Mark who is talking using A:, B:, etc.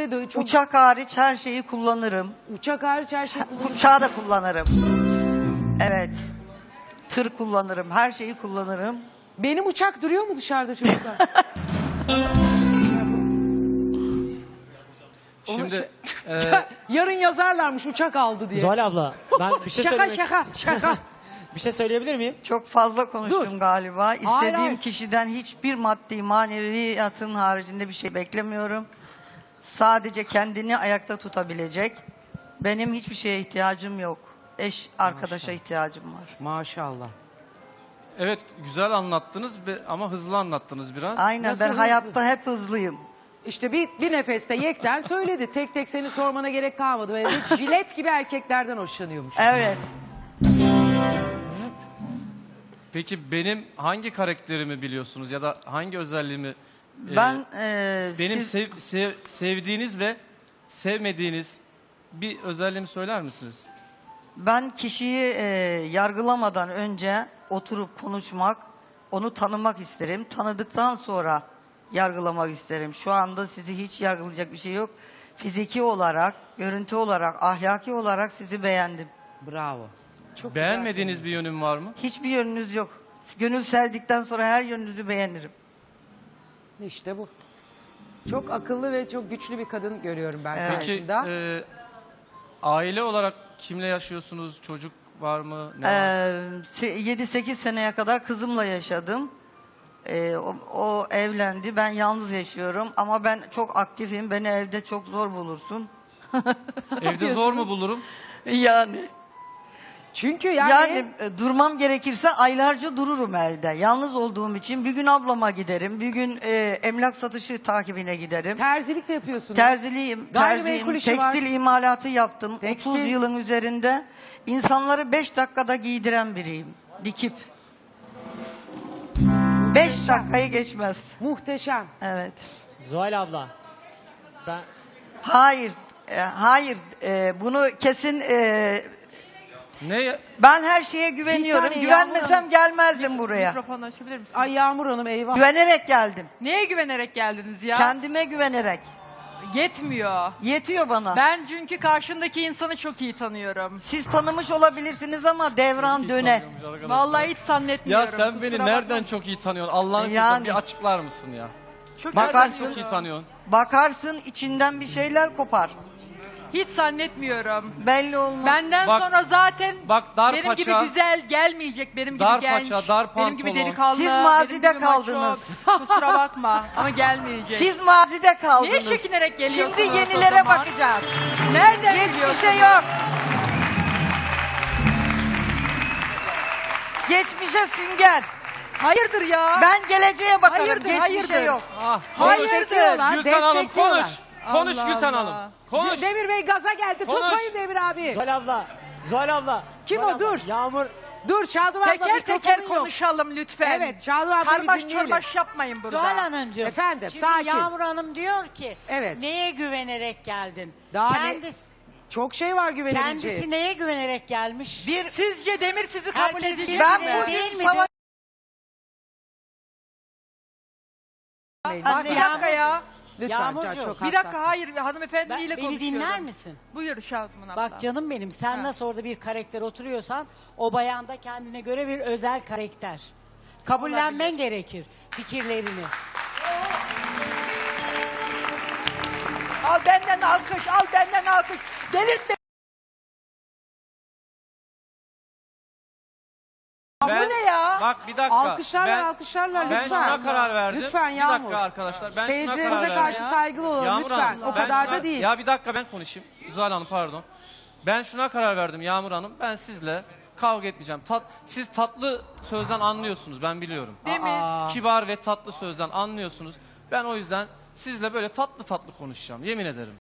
A: ve çok...
B: Uçak hariç her şeyi kullanırım.
A: Uçak hariç her şeyi kullanırsın.
B: Uçağı da kullanırım. Evet. Tır kullanırım. Her şeyi kullanırım.
A: Benim uçak duruyor mu dışarıda çocuklar?
C: Şimdi
A: Yarın yazarlarmış uçak aldı diye.
D: Zuhal abla ben bir şey
A: Şaka
D: söylemek
A: şaka.
D: bir şey söyleyebilir miyim?
B: Çok fazla konuştum
A: Dur.
B: galiba. İstediğim
A: hayır.
B: kişiden hiçbir maddi maneviyatın haricinde bir şey beklemiyorum. Sadece kendini ayakta tutabilecek. Benim hiçbir şeye ihtiyacım yok. Eş, arkadaşa ihtiyacım var.
A: Maşallah.
C: evet güzel anlattınız ama hızlı anlattınız biraz.
B: Aynen,
A: Nasıl
B: ben
A: hızlı?
B: hayatta hep hızlıyım.
A: İşte bir nefeste Yekten söyledi. Tek tek seni sormana gerek kalmadı. Böyle jilet gibi erkeklerden hoşlanıyormuş.
B: Evet.
C: Peki benim hangi karakterimi biliyorsunuz ya da hangi özelliğimi
B: Ben
C: benim
B: siz-
C: sevdiğiniz ve sevmediğiniz bir özelliğimi söyler misiniz?
B: ben kişiyi yargılamadan önce oturup konuşmak, onu tanımak isterim. Tanıdıktan sonra yargılamak isterim. Şu anda sizi hiç yargılayacak bir şey yok. Fiziki olarak, görüntü olarak, ahlaki olarak sizi beğendim.
A: Bravo. Çok
C: Beğenmediğiniz bir yönüm var mı?
B: Hiçbir yönünüz yok. Gönül serdikten sonra her yönünüzü beğenirim.
A: güzel. İşte bu. Çok akıllı ve çok güçlü bir kadın görüyorum ben
B: Evet.
C: Peki
A: karşında.
C: aile olarak kimle yaşıyorsunuz? Çocuk var mı? Ne var?
B: 7-8 seneye kadar kızımla yaşadım. O evlendi. Ben yalnız yaşıyorum. Ama ben çok aktifim. Beni evde çok zor bulursun.
C: Evde zor mu bulurum?
B: Yani.
A: Çünkü
B: Durmam gerekirse aylarca dururum evde. Yalnız olduğum için bir gün ablama giderim. Bir gün emlak satışı takibine giderim.
A: terzilik de yapıyorsun.
B: Terziliyim,
A: Gayrimenkul
B: terziyim,
A: işi var.
B: tekstil imalatı yaptım.
A: Tekstil.
B: 30 yılın üzerinde insanları 5 dakikada giydiren biriyim. Dikip. 5 dakikayı geçmez.
A: Muhteşem.
B: Evet.
D: Zuhal abla ben
B: Hayır. Bunu kesin.
C: Ne?
B: Ben her şeye güveniyorum.
A: saniye,
B: Güvenmesem gelmezdim buraya.
E: Mikrofonu açabilir misin?
A: Ay Yağmur Hanım eyvah.
B: Güvenerek geldim.
E: Neye güvenerek geldiniz ya?
B: Kendime güvenerek.
E: Yetmiyor.
B: Yetiyor bana.
E: Ben çünkü karşımdaki insanı çok iyi tanıyorum.
B: Siz tanımış olabilirsiniz ama devran döner.
E: Vallahi hiç
C: Ya
E: zannetmiyorum.
C: sen beni
E: kusura
C: nereden
E: bakma.
C: çok iyi tanıyorsun? Allah'ın
B: Yani.
C: bir açıklar mısın ya?
E: Çok
B: Bakarsın.
C: Çok iyi tanıyorsun.
B: Bakarsın içinden bir şeyler kopar.
E: Hiç zannetmiyorum.
B: Belli olmaz.
E: Benden
C: Bak-
E: sonra zaten
C: Bak dar
E: benim
C: paça,
E: gibi güzel gelmeyecek, benim gibi
C: dar
E: genç,
C: paça, dar
E: benim gibi
C: pantolon.
E: delikanlı,
B: Siz
E: benim
B: mazide
E: gibi maço.
B: kaldınız.
E: Kusura bakma ama gelmeyecek.
B: Siz mazide kaldınız.
E: Niye çekinerek geliyorsunuz
B: Şimdi
E: o
B: yenilere
E: zaman?
B: bakacağız.
E: Nereden
B: Geçmişe
E: biliyorsunuz?
B: yok. Geçmişe sünger.
E: Hayırdır ya?
B: Ben geleceğe bakarım.
E: Hayırdır,
B: Geçmişe
E: hayırdır.
B: yok.
C: Ah,
E: Hayırdır.
A: Destekliyorlar,
C: Gülten Hanım
A: destekliyorlar.
C: konuş. Konuş
E: Allah
C: Gülten
E: Allah.
C: Hanım. Konuş.
A: Demir Bey gaza geldi.
C: Konuş.
A: Tutmayın Demir abi.
D: Zuhal abla
A: Kim
D: Zuhal
A: o?
D: abla,
A: Dur.
D: Yağmur
A: Dur Şadıman abla
E: Teker teker
A: mikrofonu yok.
E: konuşalım lütfen.
A: Evet Şadıman abla bir
E: Karbaş
A: dinleyelim.
E: çorbaş yapmayın burada.
F: Zuhal Hanımcığım.
A: Efendim,
F: şimdi
A: sakin.
F: Yağmur Hanım diyor ki
A: Evet.
F: neye güvenerek geldin?
A: Daha
F: kendisi,
A: Çok şey var güvenilecek.
F: kendisi neye güvenerek gelmiş?
E: Sizce Demir sizi kabul
F: Herkes
E: edecek
B: Ben
E: mi?
F: Değil
B: bugün
F: mi?
B: savaş...
E: Bak bir dakika ya.
A: Lütfen
F: Yağmurcuğum,
A: çok
E: Bir
A: hassas.
E: dakika hayır hanımefendiyle
F: Beni
E: konuşuyorum.
F: dinler misin?
E: Buyur Şazman abla.
F: Bak canım benim, sen
E: Ha.
F: nasıl orada bir karakter oturuyorsan o bayanda kendine göre bir özel karakter. Kabullenmen
E: Olabilir.
F: gerekir fikirlerini.
E: Al benden alkış, al benden alkış. Delirtme. Bu ne ya?
C: Bak bir dakika.
A: Alkışlarla
C: Ben
A: lütfen.
C: şuna karar verdim.
A: Lütfen
C: Bir
A: Yağmur.
C: dakika arkadaşlar. Ben şuna
A: Seyircilerimize
C: karar verdim.
A: karşı saygılı olalım
C: Yağmur
A: lütfen.
C: Hanım,
A: O
C: ben
A: kadar
C: şuna-
A: da değil.
C: Ya bir dakika ben konuşayım. Zuhal Hanım pardon. Ben şuna karar verdim Yağmur Hanım. Ben sizle kavga etmeyeceğim. Siz tatlı sözden anlıyorsunuz ben biliyorum.
E: Demir.
A: Aa.
C: Kibar ve tatlı sözden anlıyorsunuz. Ben o yüzden sizle böyle tatlı tatlı konuşacağım. Yemin ederim.